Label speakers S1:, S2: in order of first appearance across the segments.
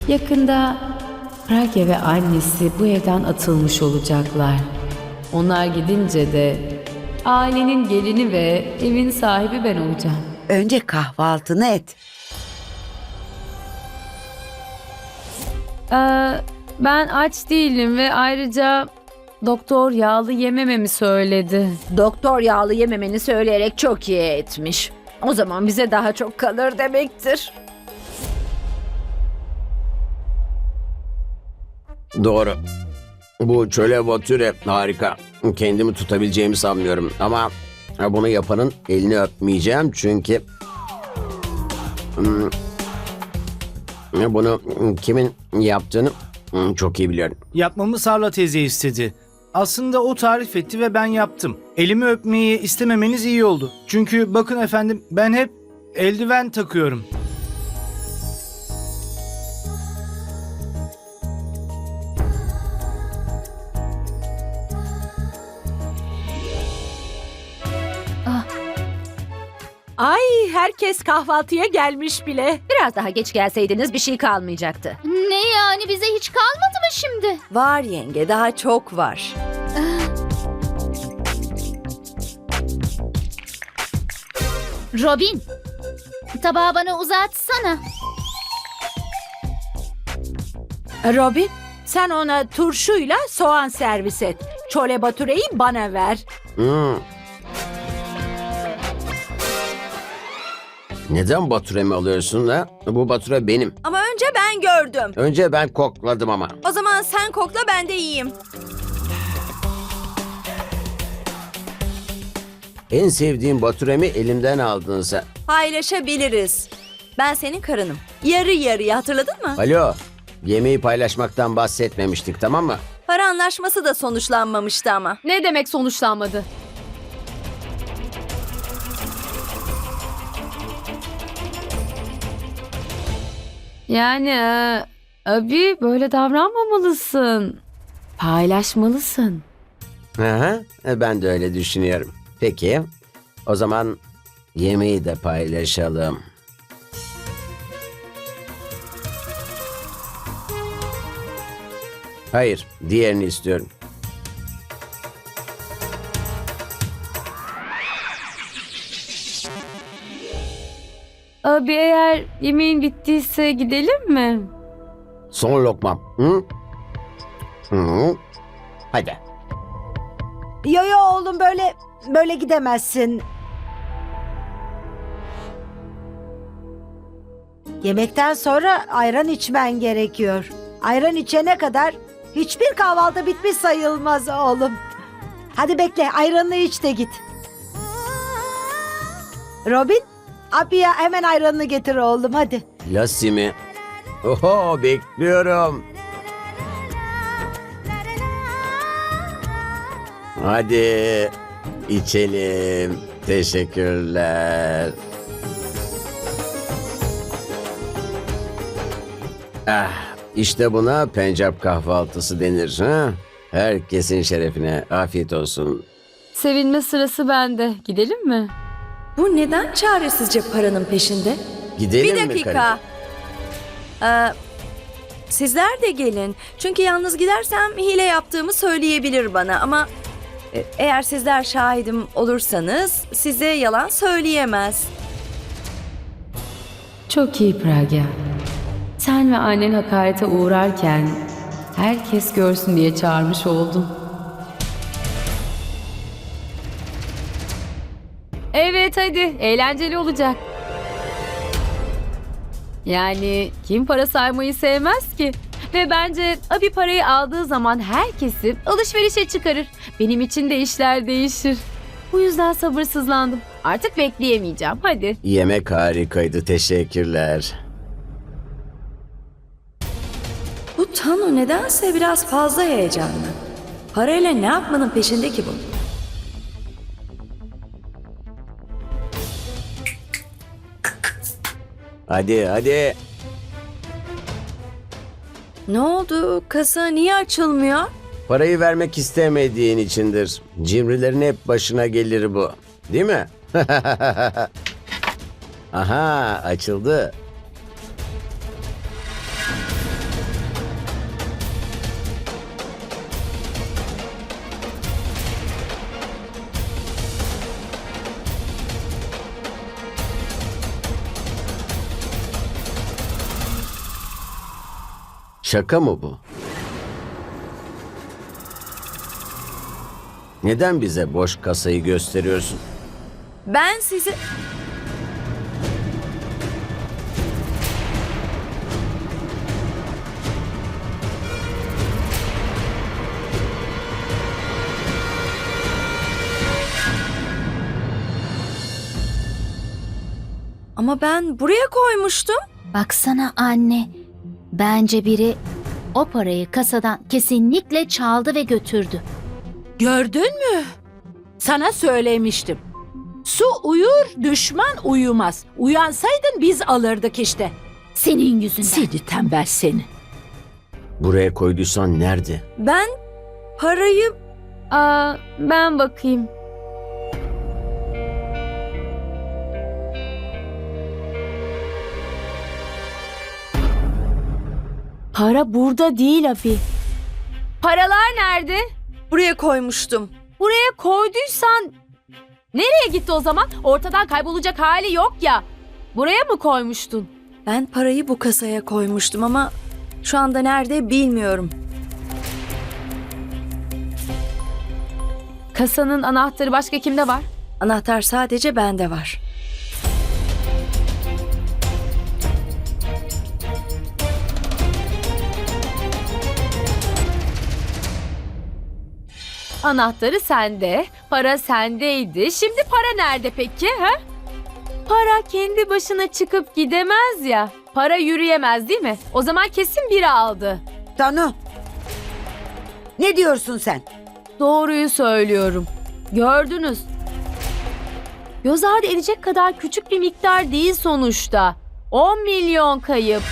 S1: Yakında Pragya ve annesi bu evden atılmış olacaklar. Onlar gidince de ailenin gelini ve evin sahibi ben olacağım.
S2: Önce kahvaltını et.
S1: Ben aç değilim ve ayrıca doktor yağlı yemememi söyledi.
S3: Doktor yağlı yememeni söyleyerek çok iyi etmiş. O zaman bize daha çok kalır demektir.
S4: Doğru. Bu çöle batüre harika. Kendimi tutabileceğimi sanmıyorum ama bunu yapanın elini öpmeyeceğim çünkü bunu kimin yaptığını çok iyi biliyorum.
S5: Yapmamı Sarla teyze istedi. Aslında o tarif etti ve ben yaptım. Elimi öpmeyi istememeniz iyi oldu. Çünkü bakın efendim ben hep eldiven takıyorum.
S3: Ay, herkes kahvaltıya gelmiş bile. Biraz daha geç gelseydiniz bir şey kalmayacaktı.
S6: Ne yani, bize hiç kalmadı mı şimdi?
S2: Var yenge, daha çok var.
S6: Robin, tabağı bana uzatsana.
S3: Robin, sen ona turşuyla soğan servis et. Çole batureyi bana ver.
S4: Neden batüremi alıyorsun ha? Bu bature benim.
S2: Ama önce ben gördüm.
S4: Önce ben kokladım ama.
S2: O zaman sen kokla, ben de yiyeyim.
S4: En sevdiğim batüremi elimden aldın sen.
S2: Paylaşabiliriz. Ben senin karınım. Yarı yarıya, hatırladın mı?
S4: Alo, yemeği paylaşmaktan bahsetmemiştik, tamam mı?
S2: Para anlaşması da sonuçlanmamıştı ama.
S1: Ne demek sonuçlanmadı? Yani abi böyle davranmamalısın. Paylaşmalısın.
S4: Aha, ben de öyle düşünüyorum. Peki, o zaman yemeği de paylaşalım. Hayır, diğerini istiyorum.
S1: Abi eğer yemeğin bittiyse gidelim mi?
S4: Son lokmam. Hı? Hı. Hadi.
S7: Yo yo oğlum, böyle gidemezsin. Yemekten sonra ayran içmen gerekiyor. Ayran içene kadar hiçbir kahvaltı bitmiş sayılmaz oğlum. Hadi bekle, ayranını iç de git. Robin, abiye hemen ayranını getir oğlum, hadi.
S4: Lassi mi? Oho, bekliyorum. Hadi içelim. Teşekkürler. İşte buna Pencap kahvaltısı denir. Ha? Herkesin şerefine afiyet olsun.
S1: Sevinme sırası bende. Gidelim mi?
S2: Bu neden çaresizce paranın peşinde?
S4: Gidelim
S2: Bir
S4: mi
S2: dakika.
S4: karıcığım?
S2: Sizler de gelin. Çünkü yalnız gidersem hile yaptığımı söyleyebilir bana ama eğer sizler şahidim olursanız size yalan söyleyemez.
S1: Çok iyi Pragya. Sen ve annen hakarete uğrarken herkes görsün diye çağırmış oldum. Evet hadi, eğlenceli olacak. Yani kim para saymayı sevmez ki? Ve bence abi parayı aldığı zaman herkesi alışverişe çıkarır. Benim için de işler değişir. Bu yüzden sabırsızlandım. Artık bekleyemeyeceğim. Hadi.
S4: Yemek harikaydı. Teşekkürler.
S2: Bu Tanu nedense biraz fazla heyecanlı. Parayla ne yapmanın peşinde ki bu?
S4: Hadi hadi.
S2: Ne oldu? Kasa niye açılmıyor?
S4: Parayı vermek istemediğin içindir. Cimrilerin hep başına gelir bu. Değil mi? Aha, açıldı. Şaka mı bu? Neden bize boş kasayı gösteriyorsun?
S2: Ben sizi... Ama ben buraya koymuştum.
S6: Baksana anne. Bence biri o parayı kasadan kesinlikle çaldı ve götürdü.
S3: Gördün mü? Sana söylemiştim. Su uyur, düşman uyumaz. Uyansaydın biz alırdık işte.
S6: Senin yüzünden.
S3: Seni tembel seni.
S4: Buraya koyduysan nerede?
S2: Ben parayı...
S1: Ben bakayım. Para burada değil abi. Paralar nerede?
S2: Buraya koymuştum.
S1: Buraya koyduysan nereye gitti o zaman? Ortadan kaybolacak hali yok ya. Buraya mı koymuştun?
S2: Ben parayı bu kasaya koymuştum ama şu anda nerede bilmiyorum.
S1: Kasanın anahtarı başka kimde var?
S2: Anahtar sadece bende var.
S1: Anahtarı sende, para sendeydi. Şimdi para nerede peki? Ha? Para kendi başına çıkıp gidemez ya. Para yürüyemez değil mi? O zaman kesin biri aldı.
S7: Tanu. Ne diyorsun sen?
S1: Doğruyu söylüyorum. Gördünüz. Göz ardı edecek kadar küçük bir miktar değil sonuçta. 10 milyon kayıp.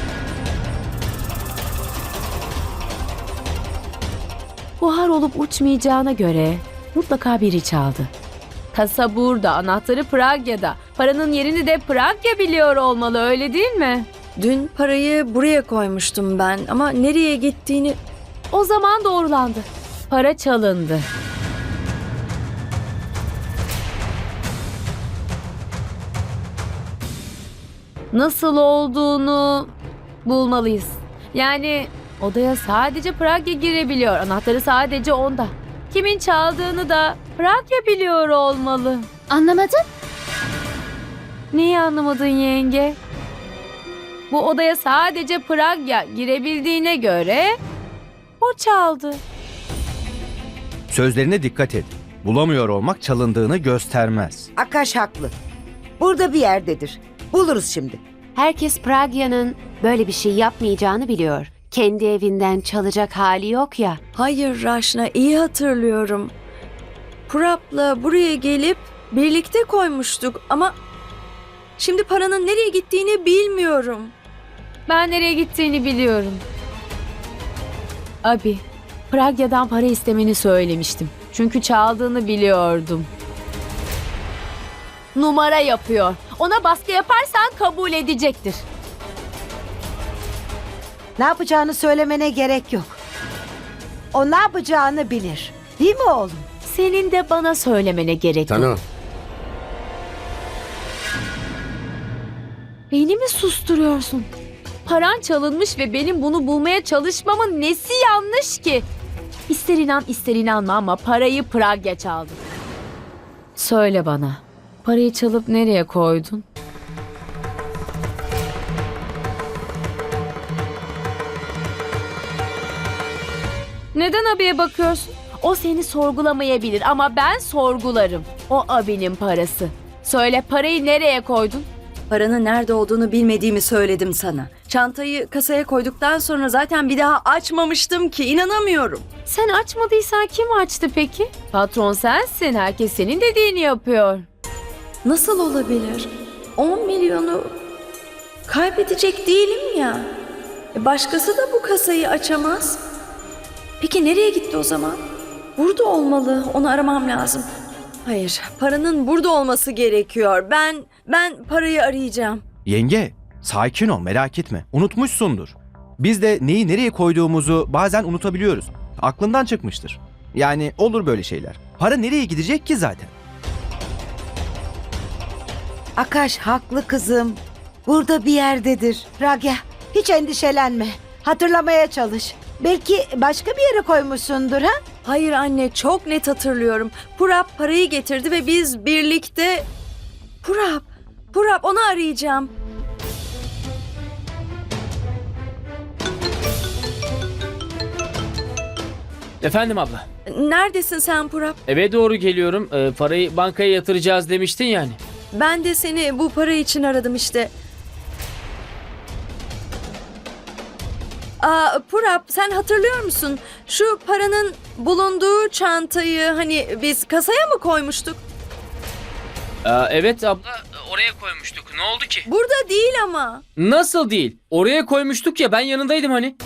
S1: Buhar olup uçmayacağına göre mutlaka biri çaldı. Kasa burada, anahtarı Pragya'da. Paranın yerini de Pragya biliyor olmalı, öyle değil mi?
S2: Dün parayı buraya koymuştum ben ama nereye gittiğini...
S1: O zaman doğrulandı. Para çalındı. Nasıl olduğunu bulmalıyız. Yani odaya sadece Pragya girebiliyor. Anahtarı sadece onda. Kimin çaldığını da Pragya biliyor olmalı.
S6: Anlamadın?
S1: Neyi anlamadın yenge? Bu odaya sadece Pragya girebildiğine göre o çaldı.
S8: Sözlerine dikkat et. Bulamıyor olmak çalındığını göstermez.
S7: Akash haklı. Burada bir yerdedir. Buluruz şimdi.
S9: Herkes Pragya'nın böyle bir şey yapmayacağını biliyor. Kendi evinden çalacak hali yok ya.
S2: Hayır Raşna, iyi hatırlıyorum. Purap'la buraya gelip birlikte koymuştuk ama... Şimdi paranın nereye gittiğini bilmiyorum.
S1: Ben nereye gittiğini biliyorum. Abi, Pragya'dan para istemeni söylemiştim. Çünkü çaldığını biliyordum. Numara yapıyor. Ona baskı yaparsan kabul edecektir.
S7: Ne yapacağını söylemene gerek yok. O ne yapacağını bilir. Değil mi oğlum?
S1: Senin de bana söylemene gerek yok.
S4: Tanu,
S1: Beni mi susturuyorsun? Paran çalınmış ve benim bunu bulmaya çalışmamın nesi yanlış ki? İster inan ister inanma ama parayı Pragya çaldı. Söyle bana, parayı çalıp nereye koydun? Neden abiye bakıyorsun? O seni sorgulamayabilir ama ben sorgularım. O abinin parası. Söyle, parayı nereye koydun?
S2: Paranın nerede olduğunu bilmediğimi söyledim sana. Çantayı kasaya koyduktan sonra zaten bir daha açmamıştım ki, inanamıyorum.
S1: Sen açmadıysan kim açtı peki? Patron sensin. Herkes senin dediğini yapıyor.
S2: Nasıl olabilir? 10 milyonu kaybedecek değilim ya. Başkası da bu kasayı açamaz. Peki nereye gitti o zaman? Burada olmalı. Onu aramam lazım. Hayır, paranın burada olması gerekiyor. Ben parayı arayacağım.
S8: Yenge, sakin ol, merak etme. Unutmuşsundur. Biz de neyi nereye koyduğumuzu bazen unutabiliyoruz. Aklından çıkmıştır. Yani olur böyle şeyler. Para nereye gidecek ki zaten?
S7: Akash haklı kızım. Burada bir yerdedir. Pragya, hiç endişelenme. Hatırlamaya çalış. Belki başka bir yere koymuşsundur ha?
S2: Hayır anne, çok net hatırlıyorum. Purap parayı getirdi ve biz birlikte... Purap onu arayacağım.
S10: Efendim abla.
S2: Neredesin sen Purap?
S10: Eve doğru geliyorum. Parayı bankaya yatıracağız demiştin yani.
S2: Ben de seni bu para için aradım işte. Purap, sen hatırlıyor musun? Şu paranın bulunduğu çantayı hani biz kasaya mı koymuştuk?
S10: Evet abla, oraya koymuştuk. Ne oldu ki?
S2: Burada değil ama.
S10: Nasıl değil? Oraya koymuştuk ya, ben yanındaydım hani.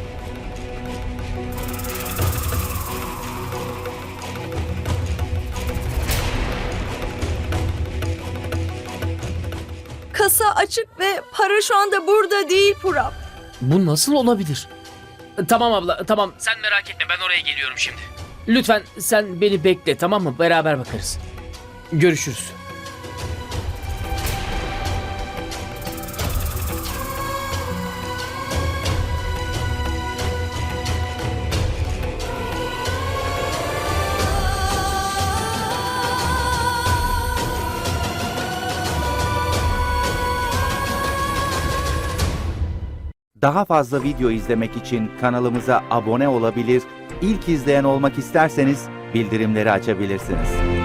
S2: Kasa açık ve para şu anda burada değil Purap.
S10: Bu nasıl olabilir? Tamam abla, tamam. Sen merak etme, ben oraya geliyorum şimdi. Lütfen sen beni bekle, tamam mı? Beraber bakarız. Görüşürüz.
S11: Daha fazla video izlemek için kanalımıza abone olabilir, ilk izleyen olmak isterseniz bildirimleri açabilirsiniz.